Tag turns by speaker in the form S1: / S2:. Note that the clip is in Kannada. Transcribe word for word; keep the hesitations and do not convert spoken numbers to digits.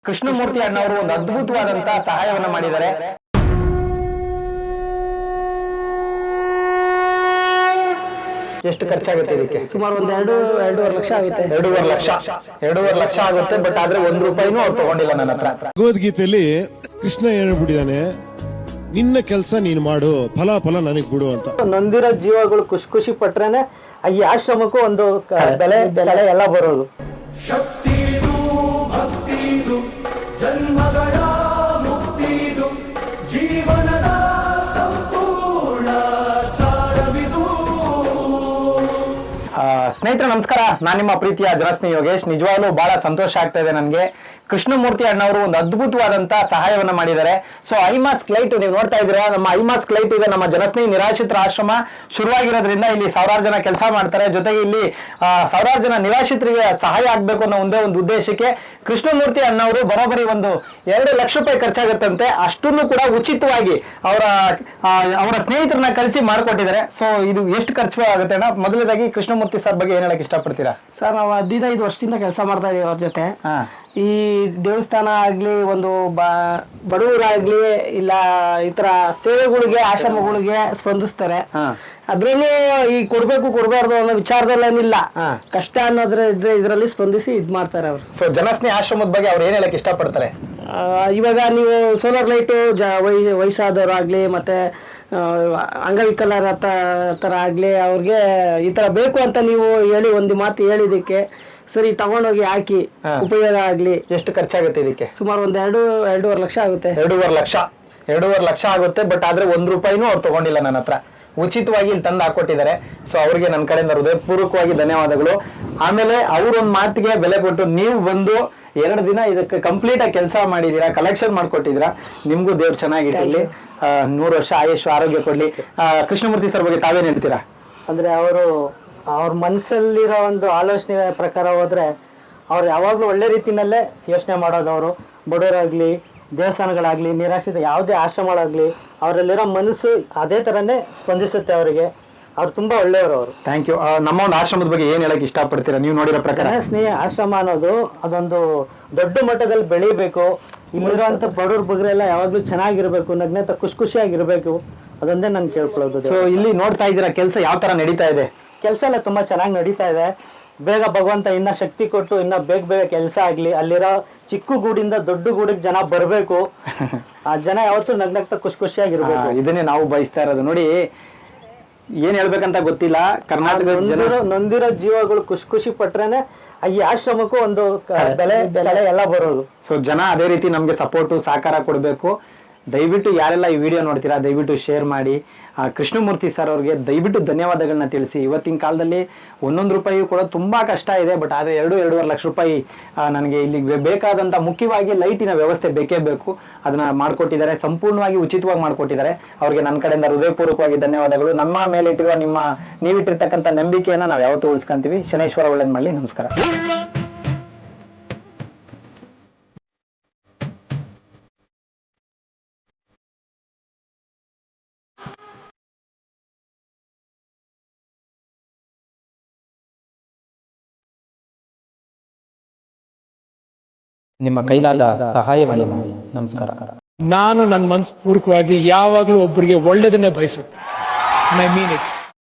S1: ಕೃಷ್ಣಮೂರ್ತಿ ಅಣ್ಣವರು ಒಂದು ಅದ್ಭುತವಾದಂತಹ ಸಹಾಯವನ್ನ ಮಾಡಿದ್ದಾರೆ. ಎಷ್ಟು ಖರ್ಚಾಗುತ್ತೆ ಇದಕ್ಕೆ?
S2: ಸುಮಾರು ಒಂದ್ ಎರಡು ಎರಡೂವರೆ ಲಕ್ಷ ಆಗುತ್ತೆ.
S1: ಎರಡೂವರೆ ಲಕ್ಷ ಎರಡೂವರೆ ಲಕ್ಷ ಆಗುತ್ತೆ. ಬಟ್ ಆದ್ರೆ ಒಂದ್ ರೂಪಾಯಿನೂ ಅವ್ರು ತಗೊಂಡಿಲ್ಲ ನನ್ನ ಹತ್ರ.
S3: ಭಗವದ್ಗೀತೆಯಲ್ಲಿ ಕೃಷ್ಣ ಹೇಳ್ಬಿಟ್ಟಿದ್ದಾನೆ, ನಿನ್ನ ಕೆಲಸ ನೀನು ಮಾಡು, ಫಲ ಫಲ ನನಗ್ ಬಿಡು ಅಂತ.
S2: ನೊಂದಿರೋ ಜೀವಗಳು ಖುಷಿ ಖುಷಿ ಪಟ್ರೇನೆ ಈ ಆಶ್ರಮಕ್ಕೂ ಒಂದು ಬೆಲೆ ಬೆಲೆ ಎಲ್ಲ ಬರೋದು.
S4: ಶಕ್ತಿದು ಭಕ್ತಿದು ಜನ್ಮಗಳ ಮುಕ್ತಿದು ಜೀವನದ ಸಂಪೂರ್ಣ ಸಾರವಿದು.
S1: ಸ್ನೇಹಿತರೆ ನಮಸ್ಕಾರ, ನಾನು ನಿಮ್ಮ ಪ್ರೀತಿಯ ಜನಸ್ನೇಹಿ ಯೋಗೇಶ್. ನಿಜವಾಗ್ಲೂ ಬಹಳ ಸಂತೋಷ ಆಗ್ತಾ ಇದೆ ನನಗೆ. ಕೃಷ್ಣಮೂರ್ತಿ ಅಣ್ಣವರು ಒಂದು ಅದ್ಭುತವಾದಂತಹ ಸಹಾಯವನ್ನ ಮಾಡಿದ್ದಾರೆ. ಸೊ ಐಮಾಸ್ಕ್ ಲೈಟ್ ನೀವು ನೋಡ್ತಾ ಇದ್ದೀರಾ, ನಮ್ಮ ಐಮಾಸ್ಕ್ ಲೈಟ್ ಇದೆ ನಮ್ಮ ಜನಸ್ನೇಹಿ ನಿರಾಶ್ರಿತರ ಆಶ್ರಮ ಶುರುವಾಗಿರೋದ್ರಿಂದ ಇಲ್ಲಿ ಸಾವಿರಾರು ಜನ ಕೆಲಸ ಮಾಡ್ತಾರೆ. ಜೊತೆಗೆ ಇಲ್ಲಿ ಸಾವಿರಾರು ಜನ ನಿರಾಶ್ರಿತರಿಗೆ ಸಹಾಯ ಆಗ್ಬೇಕು ಅನ್ನೋ ಒಂದೇ ಒಂದು ಉದ್ದೇಶಕ್ಕೆ ಕೃಷ್ಣಮೂರ್ತಿ ಅಣ್ಣವರು ಬರೋಬ್ಬರಿ ಒಂದು ಎರಡು ಲಕ್ಷ ರೂಪಾಯಿ ಖರ್ಚಾಗುತ್ತಂತೆ. ಅಷ್ಟನ್ನು ಕೂಡ ಉಚಿತವಾಗಿ ಅವರ ಅವರ ಸ್ನೇಹಿತರನ್ನ ಕಳಿಸಿ ಮಾಡಿಕೊಟ್ಟಿದ್ದಾರೆ. ಸೊ ಇದು ಎಷ್ಟು ಖರ್ಚು ಆಗುತ್ತೆ ಅಣ್ಣ? ಮೊದಲನೇದಾಗಿ ಕೃಷ್ಣಮೂರ್ತಿ ಸರ್ ಬಗ್ಗೆ ಏನ್ ಹೇಳಕ್ ಇಷ್ಟಪಡ್ತೀರಾ?
S2: ಸರ್, ನಾವು ಹದಿನೈದು ವರ್ಷದಿಂದ ಕೆಲಸ ಮಾಡ್ತಾ ಇದೀವಿ ಅವ್ರ ಜೊತೆ. ಈ ದೇವಸ್ಥಾನ ಆಗ್ಲಿ, ಒಂದು ಬಡವರಾಗ್ಲಿ, ಇಲ್ಲ ಈ ತರ ಸೇವೆಗಳಿಗೆ ಆಶ್ರಮಗಳಿಗೆ ಸ್ಪಂದಿಸ್ತಾರೆ. ಅದ್ರಲ್ಲೂ ಈ ಕೊಡ್ಬೇಕು ಕೊಡ್ಬಾರ್ದು ಅನ್ನೋ ವಿಚಾರದಲ್ಲೇನಿಲ್ಲ, ಕಷ್ಟ ಅನ್ನೋದ್ರ ಇದ್ರೆ ಇದ್ರಲ್ಲಿ ಸ್ಪಂದಿಸಿ ಇದ್ ಮಾಡ್ತಾರೆ ಅವರು.
S1: ಸೊ ಜನಸ್ನೇಹಿ ಆಶ್ರಮದ ಬಗ್ಗೆ ಅವ್ರು ಏನ್ ಹೇಳಕ್ ಇಷ್ಟಪಡ್ತಾರೆ?
S2: ಇವಾಗ ನೀವು ಸೋಲಾರ್ ಲೈಟು ಜ ವೈ ವಯಸ್ಸಾದವರಾಗ್ಲಿ ಮತ್ತೆ ಅಂಗವಿಕಲರ ತರ ಆಗ್ಲಿ, ಅವ್ರಿಗೆ ಈ ತರ ಬೇಕು ಅಂತ ನೀವು ಹೇಳಿ ಒಂದು ಮಾತು ಹೇಳಿದಕ್ಕೆ ಸರಿ ತಗೊಂಡೋಗಿ ಹಾಕಿ ಉಪಯೋಗ ಆಗ್ಲಿ.
S1: ಎಷ್ಟು ಖರ್ಚಾಗುತ್ತೆ ಇದಕ್ಕೆ?
S2: ಸುಮಾರು ಒಂದ್ ಎರಡು ಎರಡೂವರೆ ಲಕ್ಷ ಆಗುತ್ತೆ.
S1: ಎರಡೂವರೆ ಲಕ್ಷ ಎರಡೂವರೆ ಲಕ್ಷ ಆಗುತ್ತೆ. ಬಟ್ ಆದ್ರೆ ಒಂದ್ ರೂಪಾಯಿನೂ ಅವ್ರು ತಗೊಂಡಿಲ್ಲ ನನ್ನ ಹತ್ರ, ಉಚಿತವಾಗಿ ಇಲ್ಲಿ ತಂದು ಹಾಕೊಟ್ಟಿದ್ದಾರೆ. ಸೊ ಅವ್ರಿಗೆ ನನ್ನ ಕಡೆಯಿಂದ ಹೃದಯಪೂರ್ವಕವಾಗಿ ಧನ್ಯವಾದಗಳು. ಆಮೇಲೆ ಅವ್ರೊಂದ್ ಮಾತಿಗೆ ಬೆಲೆ ಕೊಟ್ಟು ನೀವು ಬಂದು ಎರಡು ದಿನ ಇದಕ್ಕೆ ಕಂಪ್ಲೀಟ್ ಆಗಿ ಕೆಲಸ ಮಾಡಿದೀರಾ, ಕಲೆಕ್ಷನ್ ಮಾಡ್ಕೊಟ್ಟಿದ್ದೀರಾ. ನಿಮ್ಗೂ ದೇವ್ರು ಚೆನ್ನಾಗಿಟ್ಟಿರ್ಲಿ, ನೂರು ವರ್ಷ ಆಯುಷ್ ಆರೋಗ್ಯ ಕೊಡ್ಲಿ. ಕೃಷ್ಣಮೂರ್ತಿ ಸರ್ ಬಗ್ಗೆ ತಾವೇನ್ ಹೇಳ್ತೀರಾ?
S2: ಅಂದ್ರೆ ಅವರು ಅವ್ರ ಮನಸ್ಸಲ್ಲಿರೋ ಒಂದು ಆಲೋಚನೆ ಪ್ರಕಾರ ಹೋದ್ರೆ ಅವ್ರು ಯಾವಾಗ್ಲೂ ಒಳ್ಳೆ ರೀತಿನಲ್ಲೇ ಯೋಚನೆ ಮಾಡೋದು. ಅವರು ಬಡವರಾಗ್ಲಿ, ದೇವಸ್ಥಾನಗಳಾಗ್ಲಿ, ನಿರಾಶ್ರಿತ ಯಾವುದೇ ಆಶ್ರಮಗಳಾಗ್ಲಿ, ಅವರಲ್ಲಿರೋ ಮನಸ್ಸು ಅದೇ ತರನೇ ಸ್ಪಂದಿಸುತ್ತೆ ಅವರಿಗೆ. ಅವ್ರು ತುಂಬಾ ಒಳ್ಳೆಯವರು ಅವರು.
S1: Thank you. ನಮ್ಮ ಒಂದು ಆಶ್ರಮದ ಬಗ್ಗೆ ಏನ್ ಹೇಳಕ್ ಇಷ್ಟಪಡ್ತೀರಾ ನೀವು ನೋಡಿರೋ ಪ್ರಕಾರ?
S2: ಸ್ನೇಹ ಆಶ್ರಮ ಅನ್ನೋದು ಅದೊಂದು ದೊಡ್ಡ ಮಟ್ಟದಲ್ಲಿ ಬೆಳಿಬೇಕು. ಇಲ್ಲಿರುವಂತ ಬಡವ್ರ ಬಗ್ರೆಲ್ಲ ಯಾವಾಗ್ಲೂ ಚೆನ್ನಾಗಿರ್ಬೇಕು, ನಗ್ನೇತ ಖುಷಿ ಖುಷಿಯಾಗಿರ್ಬೇಕು, ಅದೊಂದೇ ನಾನು ಕೇಳ್ಕೊಳ್ಳೋದು.
S1: ಸೊ ಇಲ್ಲಿ ನೋಡ್ತಾ ಇದ್ದೀರಾ ಕೆಲಸ ಯಾವ ತರ ನಡೀತಾ ಇದೆ?
S2: ಕೆಲಸ ಎಲ್ಲ ತುಂಬಾ ಚೆನ್ನಾಗಿ ನಡೀತಾ ಇದೆ. ಬೇಗ ಭಗವಂತ ಇನ್ನ ಶಕ್ತಿ ಕೊಟ್ಟು ಇನ್ನ ಬೇಗ ಬೇಗ ಕೆಲಸ ಆಗ್ಲಿ. ಅಲ್ಲಿರೋ ಚಿಕ್ಕ ಗೂಡಿಂದ ದೊಡ್ಡ ಗೂಡಿಗೆ ಜನ ಬರ್ಬೇಕು. ಆ ಜನ ಯಾವತ್ತೂ ನಗ್ನಗ್ತಾ ಖುಷಿ ಖುಷಿಯಾಗಿರ್ಬೇಕು.
S1: ಇದನ್ನೇ ನಾವು ಬಯಸ್ತಾ ಇರೋದು. ನೋಡಿ, ಏನ್ ಹೇಳ್ಬೇಕಂತ ಗೊತ್ತಿಲ್ಲ, ಕರ್ನಾಟಕ
S2: ನೊಂದಿರೋ ಜೀವಗಳು ಖುಷಿ ಖುಷಿ ಪಟ್ರೇನೆ ಈ ಆಶ್ರಮಕ್ಕೂ ಒಂದು ಬೆಲೆ ಬೆಲೆ ಎಲ್ಲ ಬರೋದು.
S1: ಸೊ ಜನ ಅದೇ ರೀತಿ ನಮ್ಗೆ ಸಪೋರ್ಟು ಸಹಕಾರ ಕೊಡ್ಬೇಕು. ದಯವಿಟ್ಟು ಯಾರೆಲ್ಲ ಈ ವಿಡಿಯೋ ನೋಡ್ತೀರಾ ದಯವಿಟ್ಟು ಶೇರ್ ಮಾಡಿ. ಕೃಷ್ಣಮೂರ್ತಿ ಸರ್ ಅವ್ರಿಗೆ ದಯವಿಟ್ಟು ಧನ್ಯವಾದಗಳನ್ನ ತಿಳಿಸಿ. ಇವತ್ತಿನ ಕಾಲದಲ್ಲಿ ಒಂದೊಂದು ರೂಪಾಯಿ ಕೂಡ ತುಂಬಾ ಕಷ್ಟ ಇದೆ. ಬಟ್ ಆದ್ರೆ ಎರಡು ಎರಡೂವರೆ ಲಕ್ಷ ರೂಪಾಯಿ ನನಗೆ ಇಲ್ಲಿ ಬೇಕಾದಂತ ಮುಖ್ಯವಾಗಿ ಲೈಟಿನ ವ್ಯವಸ್ಥೆ ಬೇಕೇ ಬೇಕು, ಅದನ್ನ ಮಾಡ್ಕೊಟ್ಟಿದ್ದಾರೆ. ಸಂಪೂರ್ಣವಾಗಿ ಉಚಿತವಾಗಿ ಮಾಡ್ಕೊಟ್ಟಿದ್ದಾರೆ. ಅವ್ರಿಗೆ ನನ್ನ ಕಡೆಯಿಂದ ಹೃದಯಪೂರ್ವಕವಾಗಿ ಧನ್ಯವಾದಗಳು. ನಮ್ಮ ಮೇಲೆ ಇಟ್ಟಿರುವ ನಿಮ್ಮ ನೀವಿಟ್ಟಿರ್ತಕ್ಕಂಥ ನಂಬಿಕೆಯನ್ನ ನಾವು ಯಾವತ್ತೂ ಉಳಿಸ್ಕೊಂತೀವಿ. ಶನೇಶ್ವರ ಒಳ್ಳೇದ್ ಮಾಡಲಿ. ನಮಸ್ಕಾರ. ನಿಮ್ಮ ಕೈಲಾದ ಸಹಾಯವನ್ನು ಮಾಡಿ. ನಮಸ್ಕಾರ.
S5: ನಾನು ನನ್ನ ಮನಸ್ಪೂರ್ವಕವಾಗಿ ಯಾವಾಗಲೂ ಒಬ್ಬರಿಗೆ ಒಳ್ಳೆಯದನ್ನೇ ಬಯಸುತ್ತೆ. I mean it.